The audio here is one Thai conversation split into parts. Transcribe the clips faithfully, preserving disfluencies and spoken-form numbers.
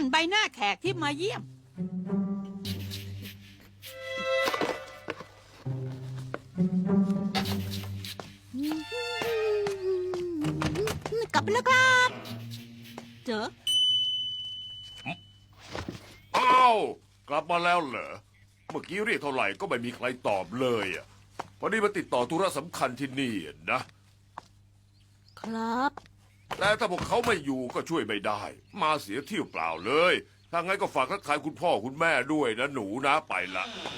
นใบหน้าแขกที่มาเยี่ยมกลับไปแล้วครับเจออ้าวกลับมาแล้วเหรอเมื่อกี้เรียกเท่าไหร่ก็ไม่มีใครตอบเลยอ่ะพอดีมาติดต่อธุระสำคัญที่นี่นะครับ แต่ถ้าพวกเขาไม่อยู่ก็ช่วยไม่ได้ มาเสียเที่ยวเปล่าเลยถ้างั้นก็ฝากทักทายคุณพ่อคุณแม่ด้วยนะหนูนะไปละ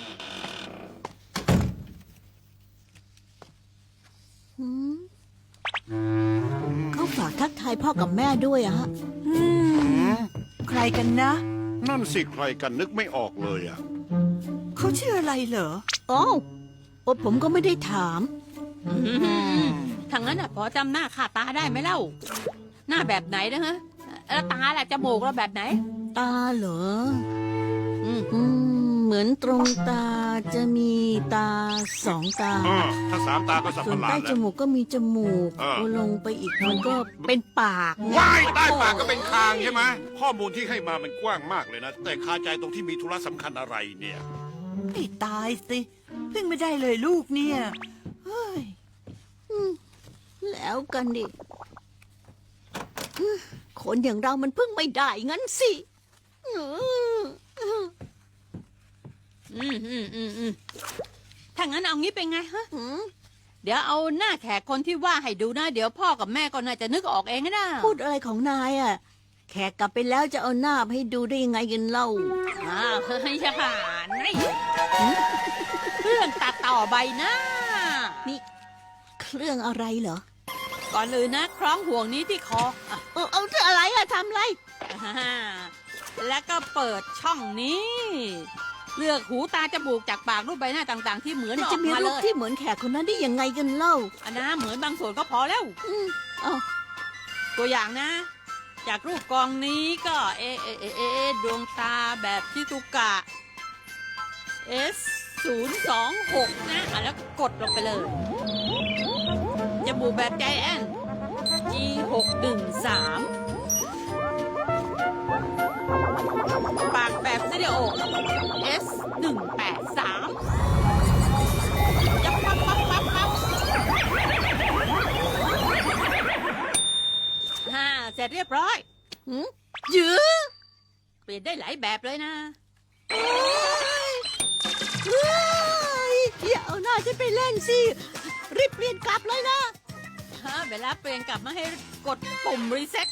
เขาฝากทักทายพ่อกับแม่ด้วยอะฮะใครกันนะนั่นสิใครกันนึกไม่ออกเลยอ่ะเขาชื่ออะไรเหรออ๋อโอ้ผมก็ไม่ได้ถามทางนั้นอ่ะพอจำหน้าค่าตาได้ไหมเล่า หน้าแบบไหนนะฮะแล้วตาล่ะจมูกเราแบบไหนตาเหรออืมอืมเหมือนตรงตาจะมีตาสองตาอ่าถ้าสามตาก็สับส่ปวนะหลาใต้ดจแล้วมูกก็มีจมูกเออพอลงไปอีกมันก็เป็นปากไงว้ายใต้ปากก็เป็นคางใช่ไหมข้อมูลที่ให้มามันกว้างมากเลยนะ แต่คาใจตรงที่มีธุระสำคัญอะไรเนี่ยไม่ตายสิพึ่งไม่ได้เลยลูกเนี่ย เฮ้ยแล้วกันดิคนอย่างเรามันพึ่งไม่ได้งั้นสิอืมอืมอืมอืมอืมถ้างั้นเอางี้เป็นไงฮะอืมเดี๋ยวเอาหน้าแขกคนที่ว่าให้ดูนะ เดี๋ยวพ่อกับแม่ก็น่าจะนึกออกเองนะพูดอะไรของนายอ่ะ แขกกลับไปแล้วจะเอาหน้าให้ดูได้ยังไงกันเล่าอ้าวเฮ้ยชะผ่านนี่เครื่องตัดต่อใบหน้านี่เครื่องอะไรเหรอก่อนอื่นนะคล้องห่วงนี้ที่คออ่ะเออเอาเธออะไรอะทำอะไรอ่าแล้วก็เปิดช่องนี้ เลือกหูตาจมูกจากปากรูปใบหน้าต่างๆ ที่เหมือนแต่ออจะกมีมารูเลปยที่เหมือนแขกคนนั้นได้ยังไงกันเล่าอันนะเหมือนบางส่วนก็พอแล้วอืมเอาตัวอย่างนะ จากรูปกองนี้ก็เอเอเอเอเอดวงตาแบบชิซุกะ S ศูนย์สองหกนะอ่ะแล้วกดลงไปเลย จมูกแบบใจแอน G หกหนึ่งสามปากแบบสตูดิโอ S หนึ่งแปดสามยับปั๊บปั๊บปั๊บปั๊บฮ่าเสร็จเรียบร้อยหืมยื้อเปลี่ยนได้หลายแบบเลยนะเฮ้ยเฮ้ยอย่าเอาหน้าฉันไปเล่นสิ รีบเปลี่ยนกลับเลยนะฮะ เวลาเปลี่ยนกลับมาให้กดปุ่มรีเซ็ต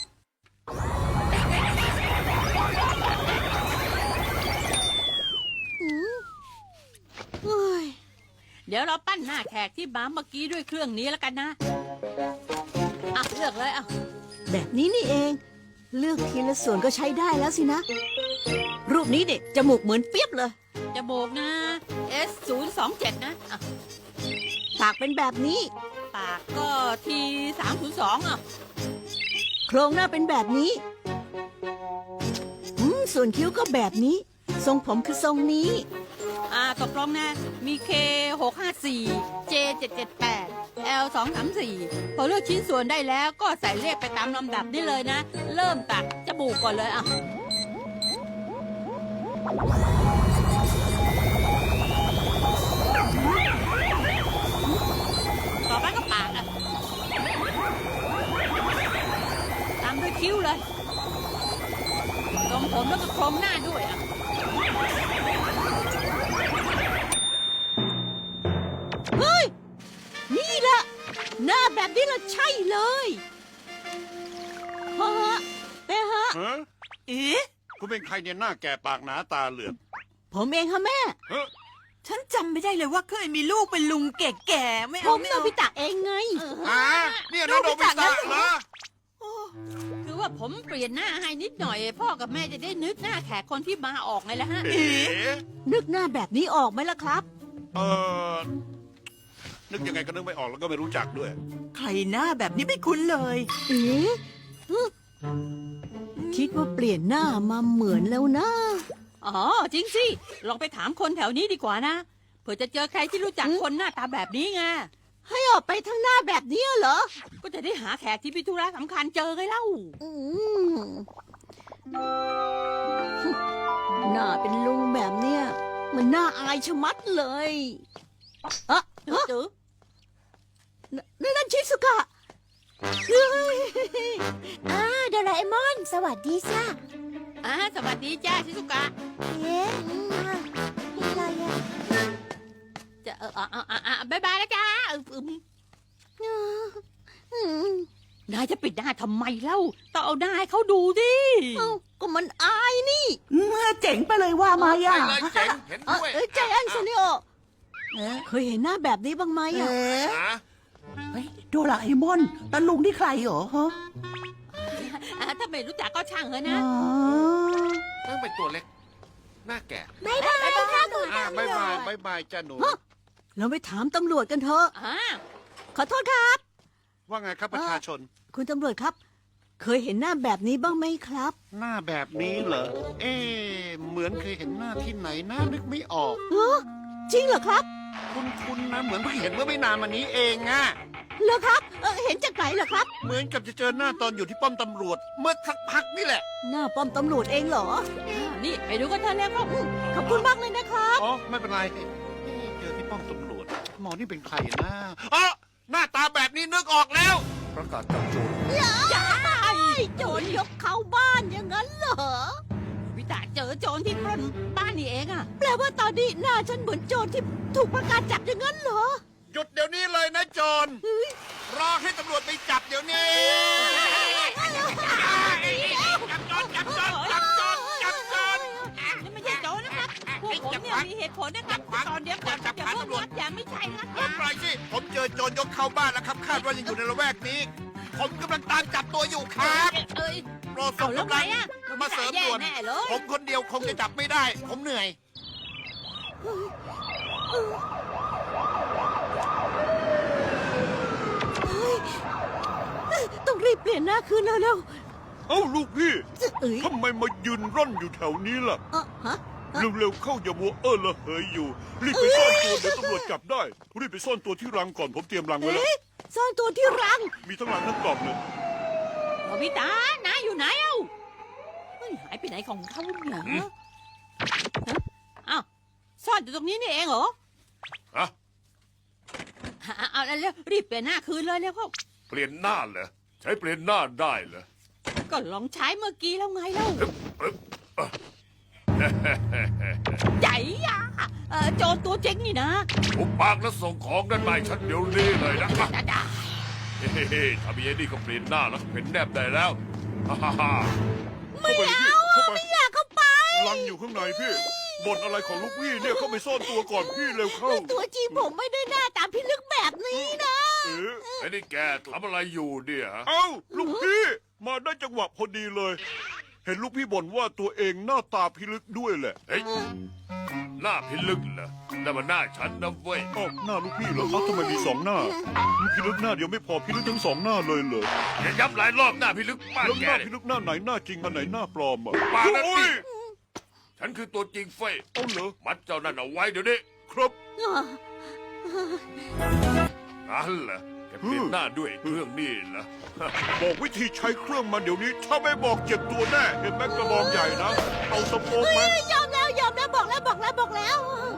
หืมเฮ้ยเดี๋ยวเราปั้นหน้าแขกที่บ้าเมื่อกี้ด้วยเครื่องนี้แล้วกันนะ อ่ะ เลือกเลยอ่ะแบบนี้นี่เอง เลือกทีละส่วนก็ใช้ได้แล้วสินะ รูปนี้เด็กจมูกเหมือนเปียบเลยจมูกนะ S ศูนย์สองเจ็ดนะอ่ะปากเป็นแบบนี้ปากก็ T สามศูนย์สองอ่ะโครงหน้าเป็นแบบนี้อืมส่วนคิ้วก็แบบนี้ ทรงผมคือทรงนี้อ่าตกลงนะ มี K หกห้าสี่ J เจ็ดเจ็ดแปด L สองสามสี่พอเลือกชิ้นส่วนได้แล้วก็ใส่เลขไปตามลำดับได้เลยนะ เริ่มตัดจมูกก่อนเลยอ่ะ ต่อไปก็ปากอ่ะ ตามด้วยคิ้วเลยตรงผมแล้วก็โครงหน้าด้วยอ่ะเฮ้ย นี่แหละ หน้าแบบนี้ละใช่เลยฮะฮะแต่ฮะฮะเอ๊ะคุณเป็นใครเนี่ยหน้าแก่ปากหนาตาเหลือกผมเองค่ะแม่เฮ้ยฉันจำไม่ได้เลยว่าเคยมีลูกเป็นลุงแก่ๆ ไม่ผเอามไม่โนเอาบิตะเองไงอ่าเนี่ยน้องโดบิตะเหรอโอ้คือว่าผมเปลี่ยนหน้าให้นิดหน่อย พ่อกับแม่จะได้นึกหน้าแขกคนที่มาออกไงล่ะฮะเอ๋นึกหน้าแบบนี้ออกไหมล่ะครับเออนึกยังไงก็นึกไม่ออกแล้วก็ไม่รู้จักด้วยใครหน้าแบบนี้ไม่คุ้นเลยเอ๊ะฮึคิดว่าเปลี่ยนหน้ามาเหมือนแล้วนะอ๋อ จริงสิ ลองไปถามคนแถวนี้ดีกว่านะ เผื่อจะเจอใครที่รู้จักคนหน้าตาแบบนี้ไงให้ออกไปทางหน้าแบบนี้เหรอก็จะได้หาแขกที่พิธุระสำคัญเจอไงเล่าอืมหน้าเป็นลุงแบบเนี้ยมันน่าอายชะมัดเลยอะจือจือนั่นนั่นชิสุกะเฮ้ยอ่าโดราเอมอน สวัสดีจ้าอ่าสวัสดีจ้าชิซุกะเอ๊ะอืมอ่ะมีอะไรอ่ะจะเอออ่าอ่าอ่าบายบายแล้วจ้าเอออืมอืมอืมนายจะปิดหน้าทำไมเล่าต้องเอาหน้าให้เขาดูดิเอ้าก็มันอายนี่เมื่อเจ๋งไปเลยว่ามาไปย่ะเลยเจ๋งเห็นเอ้ด้วยเอ้ยใจแอนโซนิโอเอ๊ะเคยเห็นหน้าแบบนี้บ้างไหมเอ๊อะะฮะเฮ้ยโดราเอมอนตาลุงที่ใครเหรอฮะอ่าถ้าไม่รู้จักก็ช่างเถอะอ๋นะอต้องเป็นตัวเล็ก หน้าแก่บายบายค่ะคุณอ่าตำรบายว บายจบายบายจ้าหนูเราไปถามตำรวจกันเถอะอ่าขอโทษครับว่าไงครับประชาชนคุณตำรวจครับ เคยเห็นหน้าแบบนี้บ้างไหมครับหน้าแบบนี้เหรอ เอ๊ะเหมือนเคยเห็นหน้าที่ไหนหน้านึกไม่ออกเออจริงเหรอครับคุณคุณนะ เหมือนเพิ่งเห็นเมื่อไม่นานมานี้เองอะเหรอครับเออเห็นจากไหนเหรอครับเหมือนกับจะเจอหน้าตอนอยู่ที่ป้อมตำรวจ เมื่อสักพักนี่แหละหน้าป้อมตำรวจเองเหรออ่านี่ไปดูกันเถอะแล้วก็ขอบคุณมากเลยนะครับอ๋อ ไม่เป็นไรเอ๊ะเจอที่ป้อมตำรวจ หมอนี่เป็นใครนะอ๋อหน้าตาแบบนี้นึกออกแล้วประกาศจับโจรจ้าโจรยกเข้าบ้านอย่างนั้นเหรอวิตาเจอโจรที่ปล้นบ้านนี่เองอ่ะแปลว่าตอนนี้หน้าฉันเหมือนโจรที่ถูกประกาศจับอย่างนั้นเหรอหยุดเดี๋ยวนี้เลยนะโจร รอให้ตำรวจไปจับเดี๋ยวนี้ จับโจรจับโจรจับโจรจับโจรนี่ไม่ใช่โจรนะครับพวกผมเนี่ยมีเหตุผลนะครับตอนเดียวก่อนจะเพิ่งรับอย่างไม่ใช่นะคเอรัอบ ปล่อยสิ ผมเจอโจรยกเข้าบ้านแล้วครับ คาดว่ายังอยู่ในละแวกนี้ ผมกำลังตามจับตัวอยู่ครับเอ้ยโปรดเอาส่งแล้วกำไงลังอ่ะมาเสริมแย่ด่วนแน่เลยผมคนเดียวคงจะจับไม่ได้ ผมเหนื่อยต้องรีบเปลี่ยนหน้าคืนเร็วเอ้าลูกพี่ๆเอ้ยทำไมมายืนร่อนอยู่แถวนี้ล่ะเออฮะเร็วๆเข้าอย่ามัวเออละเหยอยู่ รีบไปซ่อนตัวเดี๋ยวตำรวจจับได้ รีบไปซ่อนตัวที่รังก่อนผมเตรียมรังไว้แล้วเอ๊ะซ่อนตัวที่รังมีทั้งรังทั้งกล่องเลยโนบิตาน้าอยู่ไหนเอ้าเฮ้ยหายไปไหนของเขาเนี่ยฮะอ้าวซ่อนอยู่ตรงนี้นี่เองเหรอฮะเอาเอาเอาเร็วรีบเปลี่ยนหน้าคืนเลยแล้วก็เปลี่ยนหน้าเหรอ ใช้เปลี่ยนหน้าได้เหรอก็ลองใช้เมื่อกี้แล้วไงเล่า ใหญ่อะเออโจรตัวเจ๊งนี่นะผมปากแล้วส่งของด้านในฉันเดี๋ยวนี้เลยนะจ้าจ้าเฮ้ๆถ้ามีไอ้นี่ก็เปลี่ยนหน้าแล้วเป็นแนบได้แล้ว ฮ่าฮ่าฮ่าเข้าไปพี่เข้าไปอยากเข้าไปรังอยู่ข้างในพี่บ่นอะไรของลูกพี่เนี่ยเข้าไปซ่อนตัวก่อนพี่เร็วเข้าตัวจริงผมไม่ได้หน้าตามพิลึกแบบนี้นะเอ๊ะไอ้นี่แกทำอะไรอยู่เนี่ยฮะเอ้าลูกพี่มาได้จังหวะพอดีเลย เห็นลูกพี่บ่นว่าตัวเองหน้าตาพิลึกด้วยแหละเฮ้ยหน้าพิลึกเหรอนั่นมันหน้าฉันนะเว้ยเอ้าหน้าลูกพี่เหรอเอ้าทำไมมีสองหน้าพิลึกหน้าเดียวไม่พอพิลึกทั้งสองหน้าเลยเหรออย่าย้ำหลายรอบหน้าพิลึกบ้านแล้วแกหน้าเนี่ยพิลึกหน้าไหนหน้าจริงอันไหนหน้าปลอมอ่ะปากนั่นโอ้สิยฉันคือตัวจริงเฟ้ยเอาเหรอมัดเจ้านั่นเอาไว้เดี๋ยวนี้ครับนั่นเหรอแกเปลี่ยนหน้าด้วยเครื่องนี่เหรอบอกวิธีใช้เครื่องมันเดี๋ยวนี้ ถ้าไม่บอกเจ็บตัวแน่ เห็นไหมกระบองใหญ่นะ เอาสะโพกมายอมแล้วยอมแล้วบอกแล้วบอกแล้วบอกแล้ว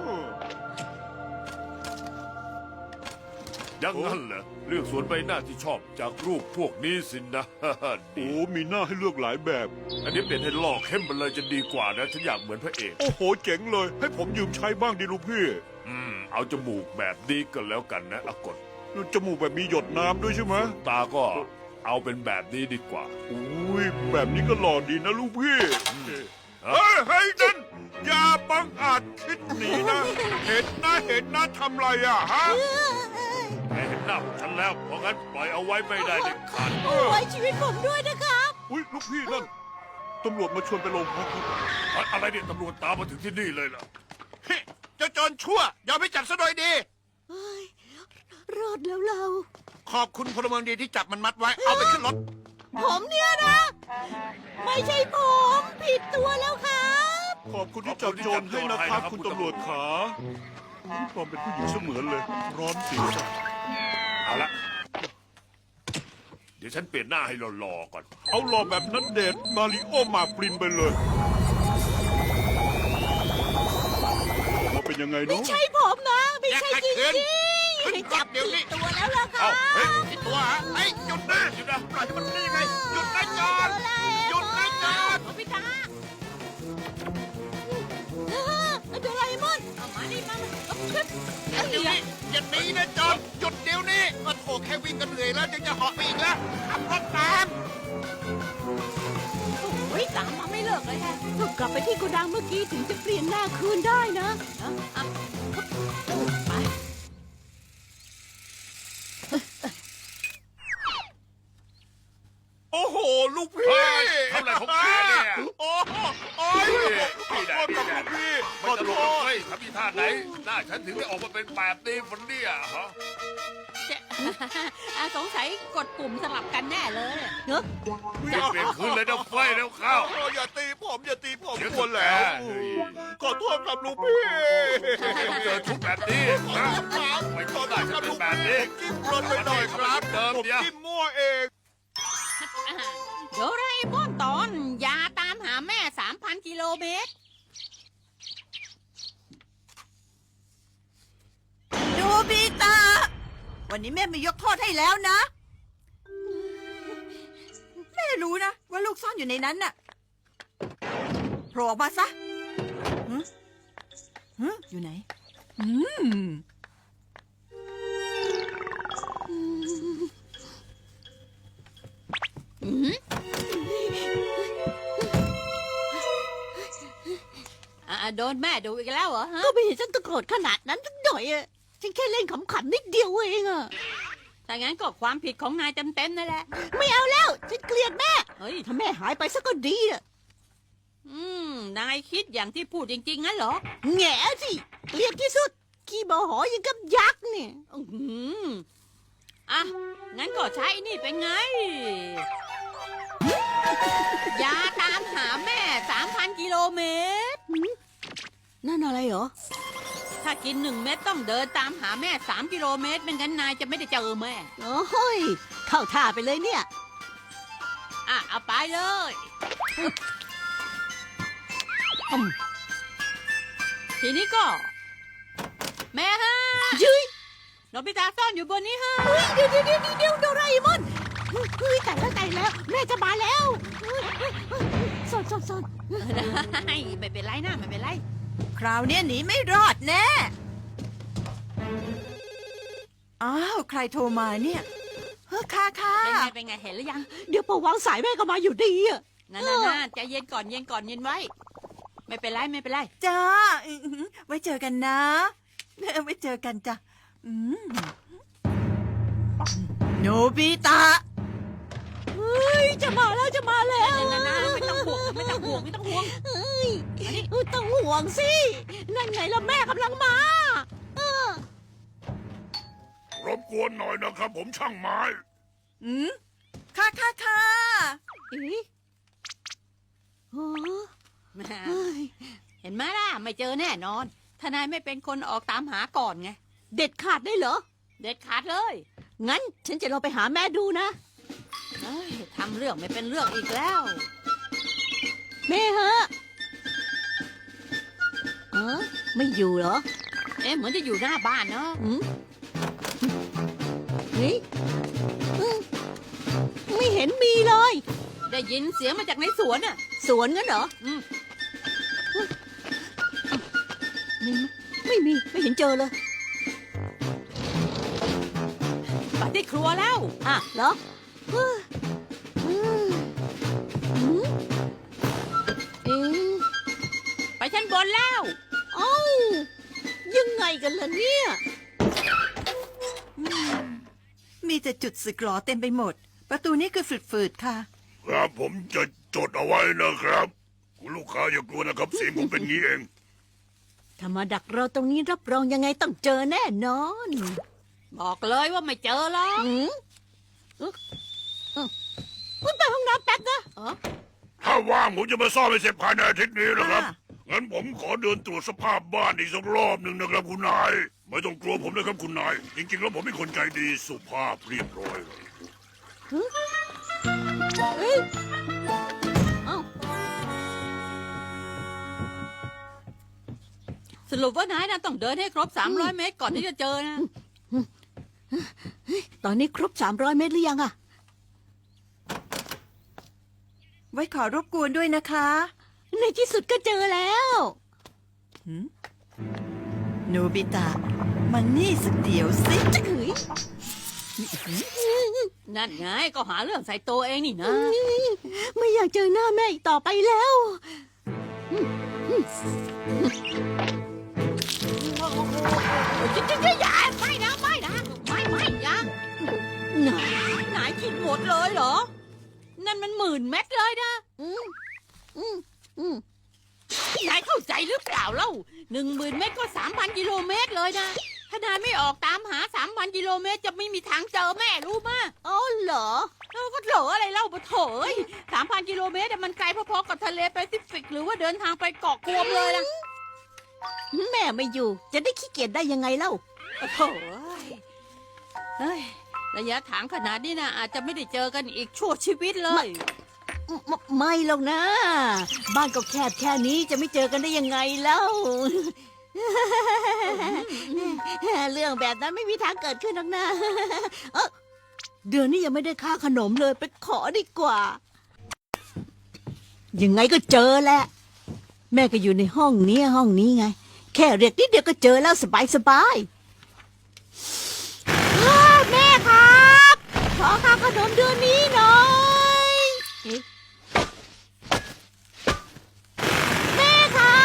ยังงั้นเหรอเลือกส่วนใบหน้าที่ชอบจากรูปพวกนี้สินะ ดีโอ้มีหน้าให้เลือกหลายแบบอันนี้เปลี่ยนให้ลอกเข้มไปเลยจะดีกว่านะฉันอยากเหมือนพระเอกโอ้โหเจ๋งเลย ให้ผมยืมใช้บ้างดิลูกพี่อืม เอาจมูกแบบนี้ก็แล้วกันนะอากดจมูกแบบมีหยดน้ำด้วยใช่ไหมตาก็เอาเป็นแบบนี้ดีกว่าอุ้ยแบบนี้ก็หล่อดีนะลูกพี่ เฮ้ยเฮ้ยนั่นอย่าบังอาจคิดหนีนะ เห็นนะเห็นนะทำไรอ่ะฮะแกเห็นหน้าของฉันแล้ว เพราะงั้นปล่อยเอาไว้ไม่ได้เด็ดขาดโอ้ยชีวิตผมด้วยนะครับอุ้ยลูกพี่นั่นตำรวจมาชวนไปโรงพักครับอะไรเนี่ยตำรวจตามมาถึงที่นี่เลยล่ะเฮ้เจ้าโจรชั่วยอมให้จับซะโดยดีเฮ้ยรอดแล้วเราขอบคุณพลเมืองดีที่จับมันมัดไว้ เอาไปขึ้นรถผมเนี่ยนะ ไม่ใช่ผมผิดตัวแล้วครับขอบคุณที่จับโจรให้นะครับคุณตำรวจขานี่ปลอมเป็นผู้หญิงเสมือนเลย ร้อนศีรษะเอาละดี๋ยวฉันเปลี่ยนหน้าให้หล่อๆก่อนเอาหล่อแบบนั้นเดชน์มาริโอมาปรินไปเลยว่าเป็นยังไงเนาะใช่ผมนะ ไม่ใช่จริงขึ้นๆขึ้นก่อนเดี๋ยวนี้ตัวแล้วล่ะค่ะเอ้าเฮ้ยไอ้ตัวฮะไอ้ยหยุดนะหยุดนะปล่อยให้มันนี่ไงหยุดนะจอดหยุดนะจอดโนบิตะโดราเอมอนเอามานี่มาเดี๋ยวนี้อย่าหนีนะจอดหยุดเดี๋ยวนี้ก็โถแค่วิ่งกันเหนื่อยแล้วยังจะเหาะไปอีกแล้วขับรถตามโอ้ยตามมาไม่เลิกเลยแฮะก็กลับไปที่โกดังเมื่อกี้ถึงจะเปลี่ยนหน้าคืนได้นะเอาเอาไปโอ้โห ลูกพี่เฮ้ยทำอะไรของแกเนี่ยโอ้โหโอ้ยขอโทษกับลูกพี่ขไม่อตโทลกษเลยทำอีท่าไหน หน้าฉันถึงได้ออกมาเป็นแบบนี้ฝนเนี่ยฮะเจ๊ อ่ะสงสัยกดปุ่มสลับกันแน่เลยเนอะจะเปลี่ยนคืนเลยนะเฟ้ยแล้วเข้าโอ้อย่าตีผมอย่าตีผมเดี๋ยวกลัวแล้วเฮ้ยขอโทษกับลูกพี่ไม่ต้องเจอทุกแบบนี้นะไม่ขต้อองโทได้ษฉักัน บเป็ลูนกแบบพี่นี้จิ้มรถไปหน่อยครับเดิมผมเดี๋ยวจิ้มมั่วเองโดราเอมอนตอนยาตามหาแม่สามพันกิโลเมตรโนบิตะวันนี้แม่ไม่ยกโทษให้แล้วนะ แม่รู้นะ ว่าลูกซ่อนอยู่ในนั้นน่ะโผล่ออกมาซะหึหึอยู่ไหน อืมอ่ะโดนแม่ดูอีกแล้วเหรอฮะก็ไม่เห็นฉันตะโกรธขนาดนั้นสักหน่อยอะฉันแค่เล่นขำๆนิดเดียวเองอะแต่งั้นก็ความผิดของนายเต็มๆนั่นแหละไม่เอาแล้ว ฉันเกลียดแม่เฮ้ยถ้าแม่หายไปซะก็ดีอะอืม นายคิดอย่างที่พูดจริงๆงั้นเหรอแง่สิเกลียดที่สุดขี้โมโหอยังกับยักษ์เนี่ยอืมอ่ะ งั้นก็ใช้นี่เป็นไง ยาตามหาแม่สามพันกิโลเมตรนั่นอะไรเหรอถ้ากินหนึ่งเม็ดต้องเดินตามหาแม่สามกิโลเมตรไม่งั้นนายจะไม่ได้เจอแม่โอ้ย เข้าท่าไปเลยเนี่ยอ่ะ เอาไปเลยอืมทีนี้ก็ แม่ฮะยืยโนบิตะซ่อนอยู่บนนี้ฮะเฮ้ยเดี๋ยวเดี๋ยวเดี๋ยวเดี๋ยวโดราเอมอนเฮ้ยแต่แล้วแต่แล้ว แม่จะมาแล้วเฮ้ยเฮ้ยเฮ้ยซ่อนซ่อนซ่อนได้ไม่เป็นไรนะไม่เป็นไรคราวเนี้ยหนีไม่รอดแน่ อ้าว ใครโทรมาเนี่ย เฮ้อค่ะค่ะเป็นไงเป็นไงเห็นหรือยังเดี๋ยวพอวางสายแม่ก็มาอยู่ดีอะนั่นน่ะใจเย็นก่อนเย็นก่อนเย็นไว้ ไม่เป็นไรไม่เป็นไรจ้าอื้อหือไว้เจอกันนะ ไว้เจอกันจ้ะอืมโนบิตะเฮ้ยจะมาแล้วจะมาแล้วนั่นนะไม่ต้องห่วงไม่ต้องห่วงไม่ต้องห่วงเฮ้ยต้องห่วงสิ นั่นไงล่ะแม่กำลังมาเออรบกวนหน่อยนะครับ ผมช่างไม้อืมค่ะค่ะค่ะเอ๊ะโอ้แหม่เฮ้ยเห็นไหมล่ะไม่เจอแน่นอนทนายไม่เป็นคนออกตามหาก่อนไงเด็ดขาดได้เหรอเด็ดขาดเลยงั้นฉันจะลองไปหาแม่ดูนะเอ้ยทำเรื่องไม่เป็นเรื่องอีกแล้วแม่ฮะเออไม่อยู่เหรอเอ๊ะเหมือนจะอยู่หน้าบ้านเนาะอืมเฮ้ยอืมไม่เห็นมีเลยได้ยินเสียงมาจากในสวนอ่ะสวนงั้นเหรออืมมีไหมไม่มี ไม่เห็นเจอเลยไปที่ครัวแล้วอ่ะเหรอเฮ้ยอืมอืมเอ๊ะไปชั้นบนแล้วเอ้ายังไงกันล่ะเนี่ยอืมมีแต่จุดสึกหรอเต็มไปหมด ประตูนี้คือฝืดๆค่ะครับผมจะจดเอาไว้นะครับ คุณลูกค้าอย่ากลัวนะครับ เสียงผมเป็นงี้เองถ้ามาดักเราตรงนี้รับรองยังไงต้องเจอแน่นอนบอกเลยว่าไม่เจอหรอกอืมเอ๊ะเอ๊ะคุณไปห้องน้ำแป๊บนะเออถ้าว่างผมจะมาซ่อมให้เสร็จภายในอาทิตย์นี้นะครับอ่างั้นผมขอเดินตรวจสภาพบ้านอีกสักรอบหนึ่งนะครับคุณนาย ไม่ต้องกลัวผมนะครับคุณนาย จริงๆแล้วผมเป็นคนใจดีสุภาพเรียบร้อยเอ้ยเอ้าสรุปว่านายนะต้องเดินให้ครบ สามร้อย เมตรก่อนที่จะเจอนะตอนนี้ครบสามร้อยเมตรหรือยังอะไว้ขอรบกวนด้วยนะคะในที่สุดก็เจอแล้วโนบิตะมันนี่สักเดี๋ยวสิเฮ้ยนั่นไงก็หาเรื่องใส่ตัวเองนี่นะไม่อยากเจอหน้าแม่อีกต่อไปแล้วจะจะจะอย่าไม่นะไม่นะไม่ไม่ยังไหนนายกินหมดเลยเหรอ นั่นมันหมื่นเม็ดเลยนะอืมอืมอืมนายเข้าใจหรือเปล่าเล่าหนึ่งหมื่นเม็ดก็สามพันกิโลเมตรเลยนะถ้านายไม่ออกตามหาสามพันกิโลเมตรจะไม่มีทางเจอแม่รู้มะอ๋อเหรอเออก็เหลออะไรเล่าปะโถยสามพันกิโลเมตรมันไกลพอๆกับทะเลแปซิฟิกหรือว่าเดินทางไปเกาะกวมเลยนะแม่ไม่อยู่ จะได้ขี้เกียจได้ยังไงเล่าโอ้โหเฮ้ยระยะทางขนาดนี้นะอาจจะไม่ได้เจอกันอีกชั่วชีวิตเลยไม่ไม่หรอกนะ บ้านก็แคบแค่นี้จะไม่เจอกันได้ยังไงเล่า เรื่องแบบนั้นไม่มีทางเกิดขึ้นหรอกนะเอ้อเดือนนี้ยังไม่ได้ค่าขนมเลยไปขอดีกว่า ยังไงก็เจอแหละ แม่ก็อยู่ในห้องนี้ห้องนี้ไง แค่เรียกนิดเดียวก็เจอแล้วสบายสบายอ้าแม่ครับ ขอค่าขนมเดือนนี้หน่อยเอ๊ะแม่ครับ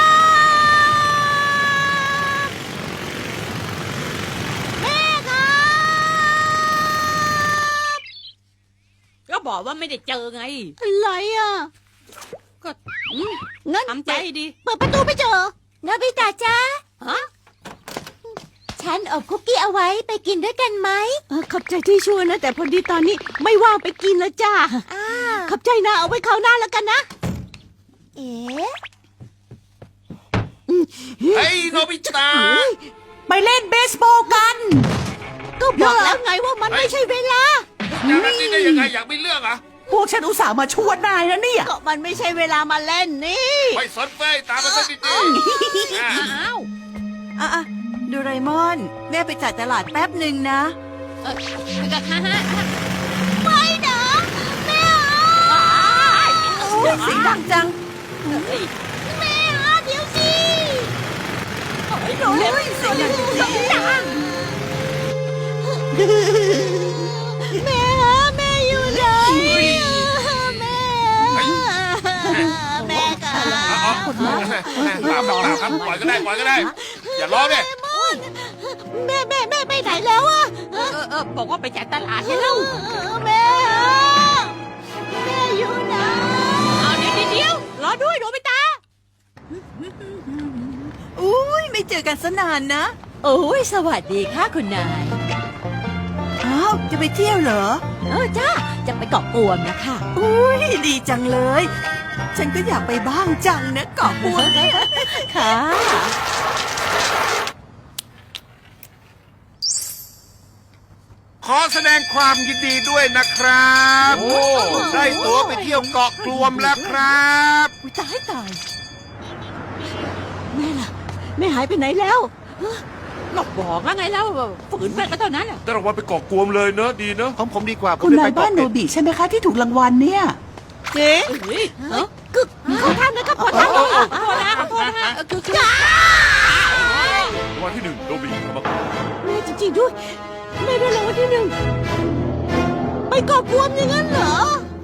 แม่ครับก็บอกว่าไม่ได้เจอไงอะไรอ่ะก็อืมงั้นทำใจดีเปิดประตูไม่เจอโนบิตะจ้าฮะฉันอบคุกกี้เอาไว้ไปกินด้วยกันไหมเออขอบใจที่ช่วยนะ แต่พอดีตอนนี้ไม่ว่างไปกินแล้วจ้าอ้าวขอบใจนะเอาไว้คราวหน้าแล้วกันนะเอ๊ะเฮ้ยโนบิตะไปเล่นเบสบอลกัน ก็บอกแล้วไงว่ามันไม่ใช่เวลาอย่างนั้นนี่ได้ยังไงอยากมีเรื่องอ่ะพวกฉันอุตส่าห์มาชวนนายนะเนี่ยก็มันไม่ใช่เวลามาเล่นนี่ไม่สนเฟ้ยตามมาสักนิดดิอ่ะอ้าวอ่ะอ่ะโดูไรมอน แม่ไปจ่ายตลาดแป๊บหนึ่งนะเออก็ฮ่าฮ่าไม่นะแม่โอ้ยเสียงดังจังแม่ฮะเดี๋ยวสิโอ้ยเสียงดังจริงแม่ฮะแม่อยู่ไหนแม่แม่ค่ะเอาเอาเปล่าเปล่าเปล่าครับปล่อยก็ได้ปล่อยก็ได้ อย่าร้องดิแม่แม่แม่ไปไหนแล้วอะเออเออเออบอกว่าไปจ่ายตลาดใช่แล้วแม่ฮะแม่อยู่ไหนเอาเดี๋ยวเดี๋ยวเดี๋ยวรอด้วยโนบิตะๆอุ้ยไม่เจอกันสนานนะโอ้ยสวัสดีค่ะคุณนายอ้าว จะไปเที่ยวเหรอเออจ้าจะไปเกาะกวมนะคะอุ้ยดีจังเลย ฉันก็อยากไปบ้างจังนะเกาะบัวเนี่ยค่ะขอแสดงความยินดีด้วยนะครับโอ้ได้ตั๋วไปเที่ยวเกาะกลวมแล้วครับอุ้ยตายตายแม่ล่ะแม่หายไปไหนแล้วก็บอกแล้วไงแล้วฝืนไปก็เท่านั้นแหละได้รางวัลไปเกาะกวมเลยเนอะดีเนอะของผมดีกว่าผมคุณได้นาไปยบ้าเกาะนโนเป็ดบิใช่ไหมคะที่ถูกรางวัลเนี่ยเจ๊เฮ้ยเออคือขอทานนะครับขอทานขอโทษนะขอโทษนะเออคือคือรางวัลที่หนึ่งโนบิเอามาก่อนแม่จริงๆด้วยแม่ได้รางวัลที่หนึ่งไปเกาะกวมอย่างนั้นเหรอ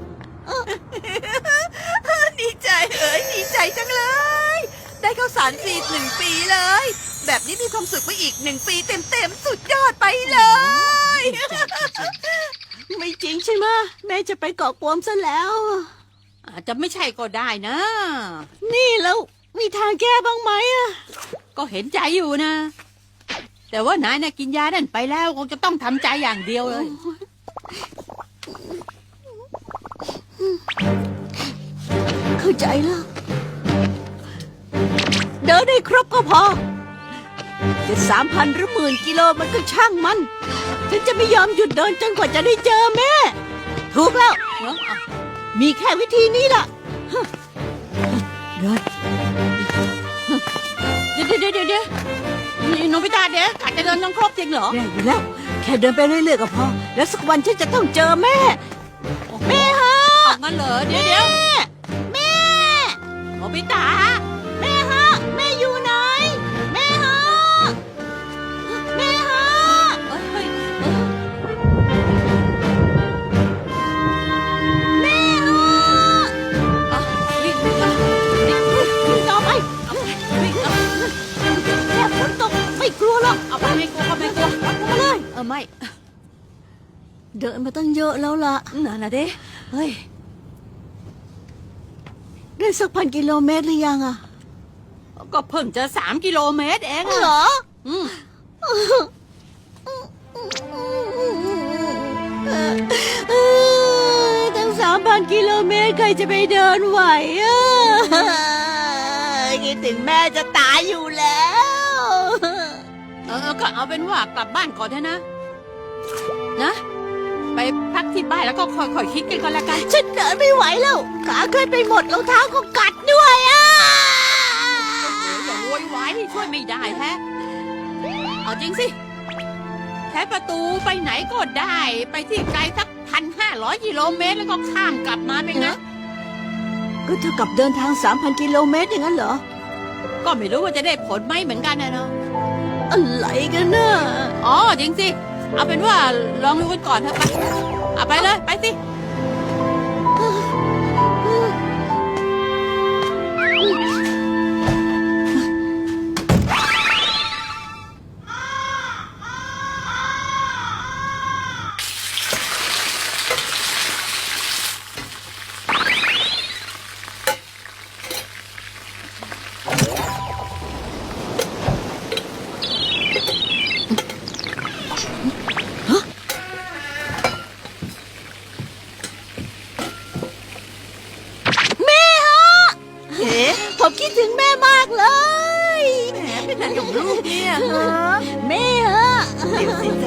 ดีใจเอ้ยดีใจจังเลย ได้ข้าวสารฟรีหนึ่งปีเลย แบบนี้มีความสุขไปอีกหนึ่งปีเต็มๆ สุดยอดไปเลยไม่จริงใช่ไหมแม่จะไปเกาะกวมซะแล้วอาจจะไม่ใช่ก็ได้นะนี่แล้วมีทางแก้บ้างไหมอะก็เห็นใจอยู่นะ แต่ว่านายน่ะกินยานั่นไปแล้วคงจะต้องทำใจอย่างเดียวเลยเข้าใจแล้วเดินได้ครบก็พอจะสามพันหรือหมื่นกิโลมันก็ช่างมัน ฉันจะไม่ยอมหยุดเดินจนกว่าจะได้เจอแม่ถูกแล้วเนอะอ่ะมีแค่วิธีนี้ล่ะเดินเดี๋ยวเดี๋ยวเดี๋ยวเดี๋ยวนี่โนบิตะเดี๋ยวอาจจะเดินต้องครบจริงเหรอแย่อยู่แล้ว แค่เดินไปเรื่อยๆก็พอ แล้วสักวันฉันจะต้องเจอแม่ แม่ฮะออกงั้นเหรอเดี๋ยวเดี๋ยวแม่โนบิตะแม่ฮะ แม่อยู่ไหน แม่ฮะ แม่ฮะเอ้ยเฮ้ยเออแม่ฮะอ่ะวิ่งวิ่งอ่ะวิ่งวิ่งวิ่งต่อไปเอาไปวิ่งเอาแค่ฝนตกไม่กลัวหรอกเอาไปไม่กลัวก็ไม่กลัวมาเลยเออไม่เดินมาตั้งเยอะแล้วล่ะนั่นน่ะดิเฮ้ยได้สักพันกิโลเมตรหรือยังอะก็เพิ่งจะสามกิโลเมตรเองอะเหรออืมเออตั้งสามพันกิโลเมตรใครจะไปเดินไหวอะคิดถึงแม่จะตายอยู่แล้วเออก็เอาเป็นว่ากลับบ้านก่อนเถอะนะ นะ ไปพักที่บ้านแล้วก็ค่อยๆคิดกันก็แล้วกันฉันเดินไม่ไหวแล้วขาเคลื่อนไปหมดรองเท้าก็กัดด้วยอ่ะอย่าโวยวายที่ช่วยไม่ได้แท้เอาจริงสิใช้ประตูไปไหนก็ได้ ไปที่ไกลสักพันห้าร้อยกิโลเมตรแล้วก็ข้ามกลับมาเป็นไงก็เท่ากับเดินทางสามพันกิโลเมตรอย่างนั้นเหรอก็ไม่รู้ว่าจะได้ผลไหมเหมือนกันนะเนาะอะไรกันน่ะอ๋อจริงสิ เอาเป็นว่าลองดูกันก่อนเถอะไปเอาไปเลย ไปสิแม่ฮะเอ๋ผมคิดถึงแม่มากเลยแหมเป็นอะไรกับลูกเนี่ยฮะแม่ฮะเดี๋ยวสิจ